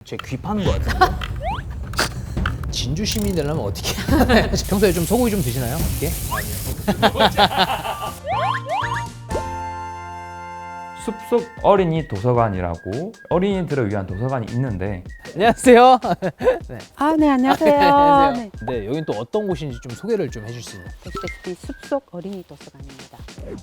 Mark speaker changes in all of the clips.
Speaker 1: 제 귀 파는 것 같은데. 진주 시민이 되려면 어떻게? 평소에 좀 소고기 좀 드시나요? 어떻게?
Speaker 2: 숲속 어린이 도서관이라고 어린이들을 위한 도서관이 있는데
Speaker 1: 안녕하세요. 네.
Speaker 3: 네, 안녕하세요.
Speaker 1: 안녕하세요.
Speaker 3: 네.
Speaker 1: 네, 여긴 또 어떤 곳인지 좀 소개를 좀 해줄 수 있나요?
Speaker 3: 보시다시피 숲속 어린이 도서관입니다.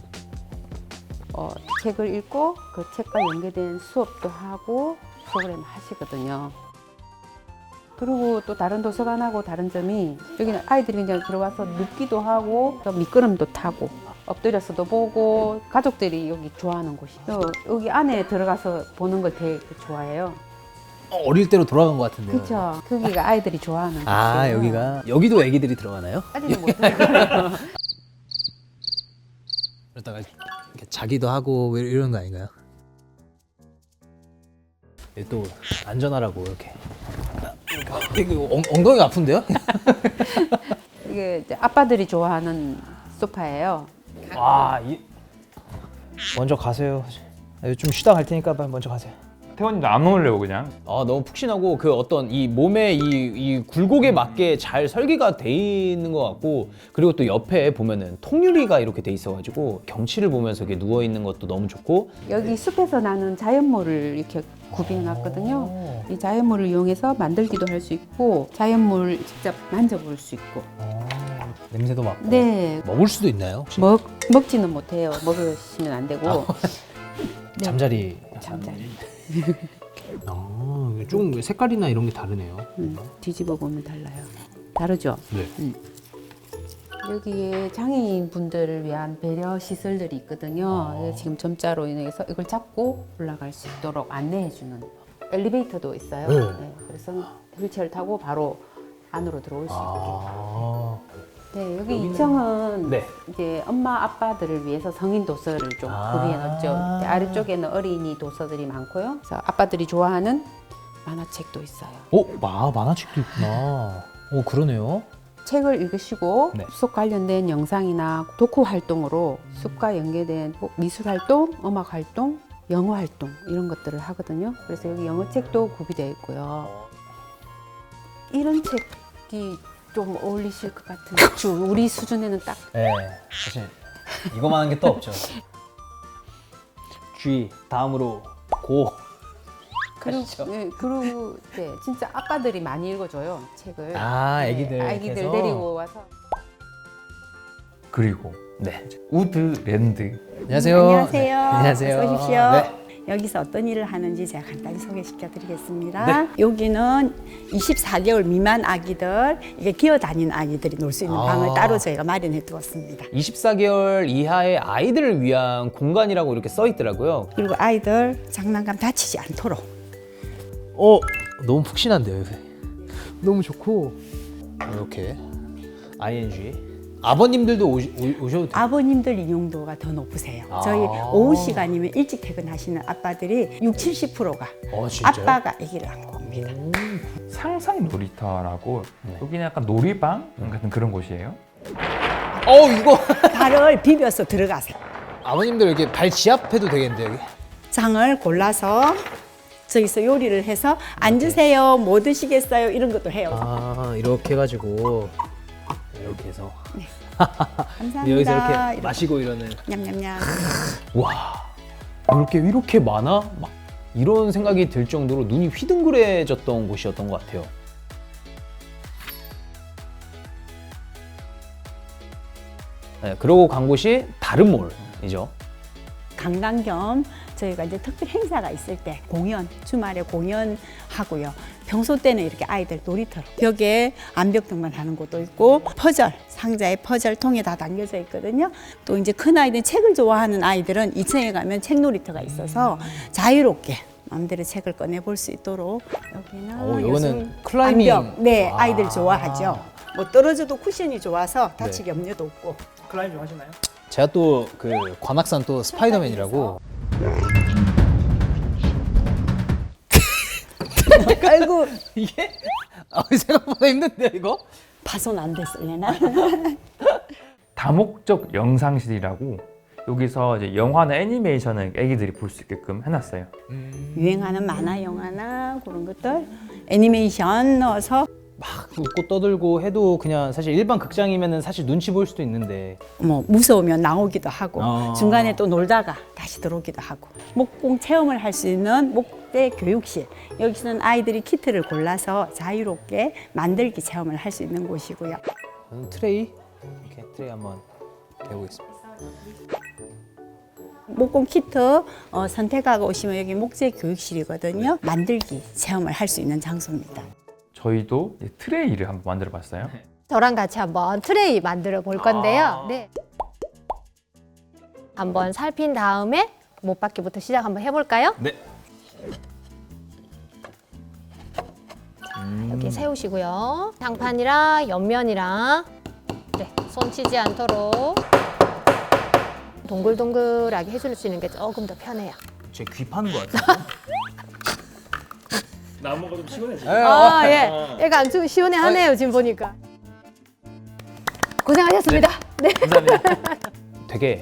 Speaker 3: 책을 읽고 그 책과 연계된 수업도 하고 프로그램 하시거든요. 그리고 또 다른 도서관하고 다른 점이 여기는 아이들이 그냥 들어와서 눕기도 하고 또 미끄럼도 타고 엎드려서도 보고 가족들이 여기 좋아하는 곳이에요. 여기 안에 들어가서 보는 걸 되게 좋아해요.
Speaker 1: 어릴 때로 돌아간 것 같은데요.
Speaker 3: 그렇죠. 거기가 아이들이 좋아하는 곳이에요.
Speaker 1: 아, 여기도 애기들이 들어가나요?
Speaker 3: 아직은 못 들어가요.
Speaker 1: 그러다가 이렇게 자기도 하고 뭐 이런 거 아닌가요? 또 안전하라고 이렇게. 이거 엉덩이가 아픈데요?
Speaker 3: 이게 이제 아빠들이 좋아하는 소파예요.
Speaker 1: 와, 먼저 가세요. 좀 쉬다 갈 테니까 빨리 먼저 가세요.
Speaker 2: 태원이도 안 먹으려고 그냥.
Speaker 1: 아, 너무 푹신하고 그 어떤 이 몸의 이 굴곡에 맞게 잘 설계가 돼 있는 것 같고, 그리고 또 옆에 보면은 통유리가 이렇게 돼 있어가지고 경치를 보면서 이렇게 누워 있는 것도 너무 좋고.
Speaker 3: 여기 숲에서 나는 자연물을 이렇게 구비해놨거든요. 이 자연물을 이용해서 만들기도 할 수 있고 자연물 직접 만져볼 수 있고.
Speaker 1: 냄새도 맡고.
Speaker 3: 네,
Speaker 1: 먹을 수도 있나요? 혹시?
Speaker 3: 먹지는 못해요. 먹으시면 안 되고. 네.
Speaker 1: 잠자리.
Speaker 3: 잠자리.
Speaker 1: 좀 색깔이나 이런 게 다르네요.
Speaker 3: 뒤집어 보면 달라요. 다르죠?
Speaker 1: 네.
Speaker 3: 여기에 장애인 분들을 위한 배려 시설들이 있거든요. 지금 점자로 인해서 이걸 잡고 올라갈 수 있도록 안내해주는 엘리베이터도 있어요.
Speaker 1: 네.
Speaker 3: 네, 그래서 휠체어를 타고 바로 안으로 들어올 수 있게. 네, 여기 2층은
Speaker 1: 네.
Speaker 3: 이제 엄마 아빠들을 위해서 성인 도서를 좀 구비해놨죠. 아래쪽에는 어린이 도서들이 많고요. 그래서 아빠들이 좋아하는 만화책도 있어요.
Speaker 1: 만화책도 있구나. 그러네요.
Speaker 3: 책을 읽으시고
Speaker 1: 네.
Speaker 3: 숲속 관련된 영상이나 독후 활동으로 숲과 연계된 미술 활동, 음악 활동, 영어 활동 이런 것들을 하거든요. 그래서 여기 영어 책도 구비되어 있고요. 이런 책이 좀 어울리실 것 같은 우리 수준에는 딱
Speaker 1: 네, 사실 이거만한 게 또 없죠. G 다음으로 고. 가시죠.
Speaker 3: 그리고 네, 진짜 아빠들이 많이 읽어줘요 책을.
Speaker 1: 애기들.
Speaker 3: 아기들
Speaker 1: 해서.
Speaker 3: 데리고 와서.
Speaker 2: 그리고
Speaker 1: 네.
Speaker 2: 우드랜드.
Speaker 1: 안녕하세요.
Speaker 4: 안녕하세요.
Speaker 1: 네, 안녕하세요.
Speaker 4: 어서 오십시오.
Speaker 1: 네.
Speaker 4: 여기서 어떤 일을 하는지 제가 간단히 소개시켜 드리겠습니다.
Speaker 1: 네.
Speaker 4: 여기는 24개월 미만 아기들, 이게 기어다니는 아기들이 놀 수 있는 방을 따로 저희가 마련해 두었습니다.
Speaker 1: 24개월 이하의 아이들을 위한 공간이라고 이렇게 써 있더라고요.
Speaker 4: 그리고 아이들 장난감 다치지 않도록.
Speaker 1: 너무 푹신한데요. 너무 좋고. 이렇게 ING. 아버님들도 오셔도 돼요.
Speaker 4: 아버님들 이용도가 더 높으세요. 저희 오후 시간이면 일찍 퇴근하시는 아빠들이 60~70%가
Speaker 1: 진짜요?
Speaker 4: 아빠가 아기를 안고 옵니다.
Speaker 2: 상상 놀이터라고 여기는 약간 놀이방 같은 그런 곳이에요.
Speaker 1: 이거
Speaker 4: 발을 비벼서 들어가세요.
Speaker 1: 아버님들 이렇게 발 지압해도 되겠는데 여기.
Speaker 4: 장을 골라서 저기서 요리를 해서 앉으세요, 뭐 드시겠어요, 이런 것도 해요.
Speaker 1: 이렇게 해가지고 이렇게 해서
Speaker 4: 감사합니다.
Speaker 1: 여기서 이렇게 마시고 이러는.
Speaker 4: 냠냠냠.
Speaker 1: 와, 이렇게 많아? 막 이런 생각이 들 정도로 눈이 휘둥그레졌던 곳이었던 것 같아요. 네, 그러고 간 곳이 다른 몰이죠.
Speaker 4: 관광 겸 저희가 이제 특별 행사가 있을 때 공연, 주말에 공연하고요. 평소 때는 이렇게 아이들 놀이터로 벽에 암벽 등반하는 곳도 있고 퍼즐, 상자에 퍼즐통에 다 담겨져 있거든요. 또 이제 큰 아이들 책을 좋아하는 아이들은 2층에 가면 책 놀이터가 있어서 자유롭게 마음대로 책을 꺼내 볼 수 있도록 여기는
Speaker 1: 이거는 클라이밍.
Speaker 4: 암벽. 네, 아이들 좋아하죠. 뭐 떨어져도 쿠션이 좋아서 다칠 염려도 없고.
Speaker 1: 클라이밍 좀 하시나요? 제가 또 그 관악산 또 스파이더맨이라고.
Speaker 4: 아이고,
Speaker 1: 이게 생각보다 힘든데 이거?
Speaker 4: 파손 안 됐을래나?
Speaker 2: 다목적 영상실이라고 여기서 이제 영화나 애니메이션을 애기들이 볼 수 있게끔 해놨어요.
Speaker 4: 유행하는 만화, 영화나 그런 것들 애니메이션 넣어서
Speaker 1: 막 웃고 떠들고 해도 그냥 사실 일반 극장이면은 사실 눈치 보일 수도 있는데
Speaker 4: 뭐 무서우면 나오기도 하고
Speaker 1: 아.
Speaker 4: 중간에 또 놀다가 다시 들어오기도 하고 목공 체험을 할 수 있는 목대 교육실 여기서는 아이들이 키트를 골라서 자유롭게 만들기 체험을 할 수 있는 곳이고요.
Speaker 1: 트레이 이렇게 트레이 한번 대보겠습니다.
Speaker 4: 목공 키트 선택하고 오시면 여기 목재 교육실이거든요. 만들기 체험을 할 수 있는 장소입니다.
Speaker 2: 저희도 이제 트레이를 한번 만들어봤어요.
Speaker 5: 저랑 같이 한번 트레이 만들어 볼 건데요. 네. 한번 살핀 다음에 못받기부터 시작 한번 해볼까요?
Speaker 1: 네.
Speaker 5: 이렇게 세우시고요. 장판이랑 옆면이랑 네, 손 치지 않도록 동글동글하게 해줄 수 있는 게 조금 더 편해요.
Speaker 1: 제 귀 파는 것 같아요.
Speaker 6: 나무가 좀 시원해지.
Speaker 5: 아, 예. 얘가 아주 시원해하네요, 지금 보니까. 고생하셨습니다. 네.
Speaker 1: 되게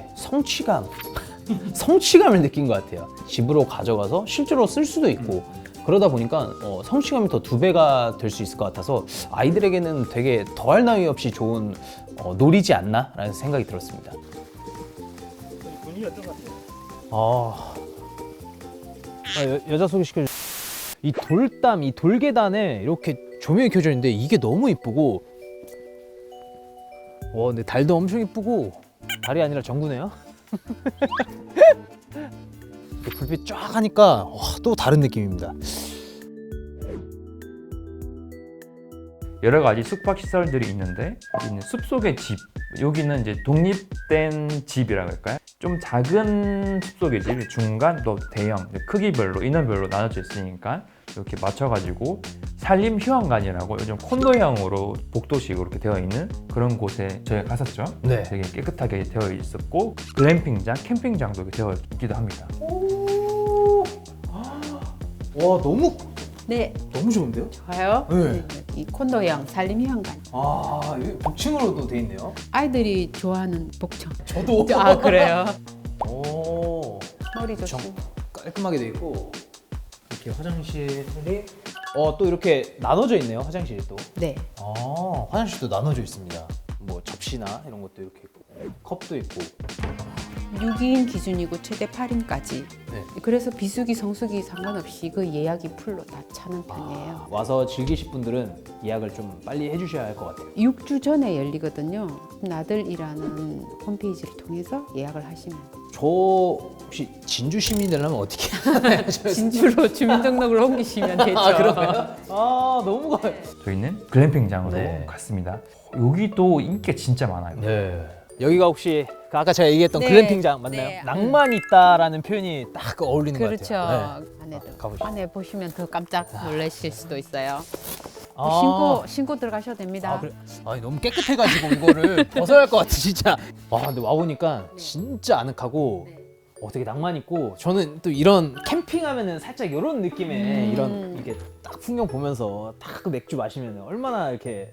Speaker 1: 성취감을 느낀 것 같아요. 집으로 가져가서 실제로 쓸 수도 있고 그러다 보니까 성취감이 더 2배가 될 수 있을 것 같아서 아이들에게는 되게 더할 나위 없이 좋은 놀이지 않나라는 생각이 들었습니다.
Speaker 6: 분위기 어떤 것 같아요?
Speaker 1: 여자 소개시켜줘. 이 돌담, 이 돌계단에 이렇게 조명이 켜져 있는데 이게 너무 이쁘고 근데 달도 엄청 이쁘고 달이 아니라 전구네요. 불빛 쫙 하니까 또 다른 느낌입니다.
Speaker 2: 여러 가지 숙박 시설들이 있는데 여기는 숲속의 집, 여기는 이제 독립된 집이라고 할까요? 좀 작은 숲속의 집, 중간 또 대형, 크기별로 인원별로 나눠져 있으니까 이렇게 맞춰가지고 산림 휴양관이라고 요즘 콘도형으로 복도식으로 이렇게 되어 있는 그런 곳에 저희가 갔었죠.
Speaker 1: 네.
Speaker 2: 되게 깨끗하게 되어 있었고 글램핑장, 캠핑장도 이렇게 되어 있기도 합니다.
Speaker 1: 와 너무
Speaker 3: 네,
Speaker 1: 좋은데요?
Speaker 3: 좋아요.
Speaker 1: 네.
Speaker 3: 이 콘도형 산림휴양관.
Speaker 1: 여기 복층으로도 돼 있네요.
Speaker 3: 아이들이 좋아하는 복층.
Speaker 1: 저도.
Speaker 3: 아, 그래요?
Speaker 1: 오.
Speaker 3: 머리 좋고.
Speaker 1: 깔끔하게 돼 있고 이렇게 화장실이 또 이렇게 나눠져 있네요. 화장실이 또.
Speaker 3: 네.
Speaker 1: 화장실도 나눠져 있습니다. 뭐 접시나 이런 것도 이렇게 있고 컵도 있고.
Speaker 3: 6인 기준이고 최대 8인까지.
Speaker 1: 네.
Speaker 3: 그래서 비수기, 성수기 상관없이 그 예약이 풀로 다 차는 편이에요.
Speaker 1: 와서 즐기실 분들은 예약을 좀 빨리 해주셔야 할 것 같아요.
Speaker 3: 6주 전에 열리거든요. 나들이라는 홈페이지를 통해서 예약을 하시면 돼요.
Speaker 1: 저 혹시 진주 시민이 되려면 어떻게 하나요?
Speaker 3: 진주로 주민등록을 옮기시면 되죠.
Speaker 1: 그런가요? 너무
Speaker 2: 저희는 글램핑장으로
Speaker 1: 네.
Speaker 2: 갔습니다. 여기도 인기가 진짜 많아요.
Speaker 1: 네. 여기가 혹시 아까 제가 얘기했던
Speaker 3: 네.
Speaker 1: 글램핑장 맞나요?
Speaker 3: 네.
Speaker 1: 낭만이 있다라는 표현이 딱 어울리는 것
Speaker 3: 그렇죠.
Speaker 1: 같아요. 네.
Speaker 3: 안에도.
Speaker 1: 가보시죠.
Speaker 3: 안에 보시면 더 깜짝 놀라실 수도 있어요.
Speaker 1: 아.
Speaker 3: 신고 들어가셔도 됩니다.
Speaker 1: 그래. 너무 깨끗해가지고 이거를 벗어야 할 것 같아 진짜. 근데 와 보니까 진짜 아늑하고 되게 낭만 있고 저는 또 이런 캠핑하면은 살짝 이런 느낌의 이런 이게 딱 풍경 보면서 딱 그 맥주 마시면 얼마나 이렇게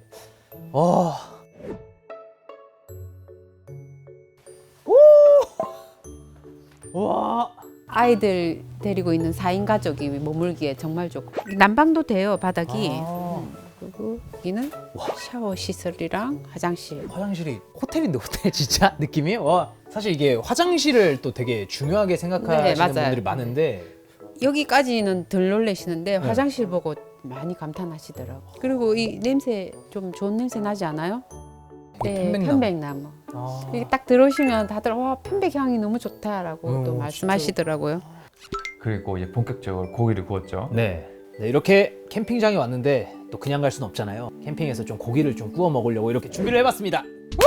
Speaker 1: 와.
Speaker 3: 아이들 데리고 있는 4인 가족이 머물기에 정말 좋고 난방도 돼요 바닥이. 그리고 여기는 샤워 시설이랑 화장실.
Speaker 1: 화장실이 호텔인데 호텔 진짜 느낌이 사실 이게 화장실을 또 되게 중요하게 생각하시는
Speaker 3: 네, 맞아요.
Speaker 1: 분들이 많은데
Speaker 3: 여기까지는 덜 놀라시는데 화장실 보고 많이 감탄하시더라고. 그리고 이 냄새 좀 좋은 냄새 나지 않아요?
Speaker 1: 이게
Speaker 3: 네,
Speaker 1: 편백나무.
Speaker 3: 편백나무. 이게 딱 들어오시면 다들 편백 향이 너무 좋다라고 또
Speaker 1: 진짜.
Speaker 3: 말씀하시더라고요.
Speaker 2: 그리고 이제 본격적으로 고기를 구웠죠.
Speaker 1: 네, 이렇게 캠핑장에 왔는데 또 그냥 갈 수는 없잖아요. 캠핑에서 좀 고기를 좀 구워 먹으려고 이렇게 준비를 해봤습니다.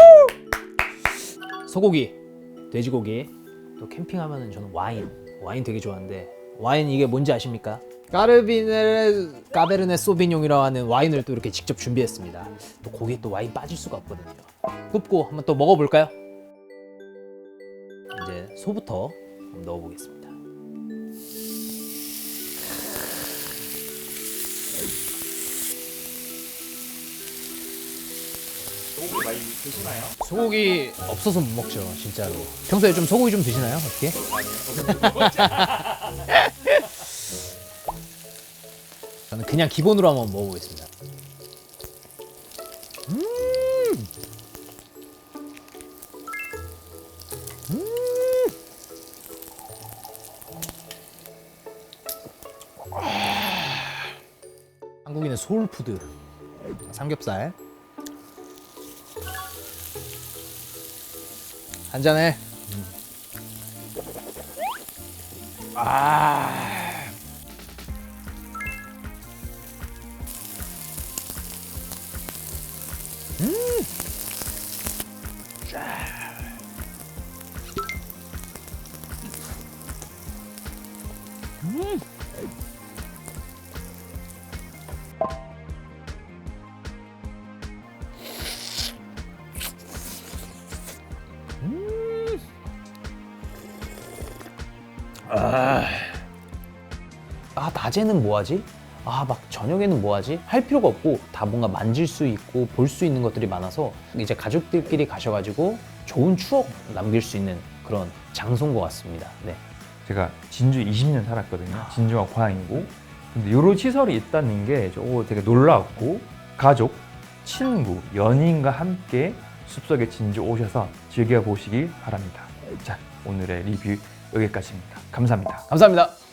Speaker 1: 소고기, 돼지고기, 또 캠핑하면은 저는 와인 되게 좋아하는데 와인 이게 뭔지 아십니까? 까베르네 소비뇽이라고 하는 와인을 또 이렇게 직접 준비했습니다. 또 고기에 또 와인 빠질 수가 없거든요. 굽고 한번 또 먹어볼까요? 이제 소부터 한번 넣어보겠습니다.
Speaker 2: 소고기 많이 드시나요?
Speaker 1: 소고기 없어서 못 먹죠, 진짜로. 평소에 좀 소고기 좀 드시나요? 어떻게? 저는 그냥 기본으로 한번 먹어보겠습니다. 한국인의 소울푸드 삼겹살 한 잔에 낮에는 뭐하지? 막 저녁에는 뭐하지? 할 필요가 없고 다 뭔가 만질 수 있고 볼 수 있는 것들이 많아서 이제 가족들끼리 가셔가지고 좋은 추억 남길 수 있는 그런 장소인 것 같습니다. 네.
Speaker 2: 제가 진주 20년 살았거든요. 진주가 고향이고. 근데 이런 시설이 있다는 게 되게 놀라웠고, 가족, 친구, 연인과 함께 숲속의 진주 오셔서 즐겨보시길 바랍니다. 자, 오늘의 리뷰 여기까지입니다. 감사합니다.
Speaker 1: 감사합니다.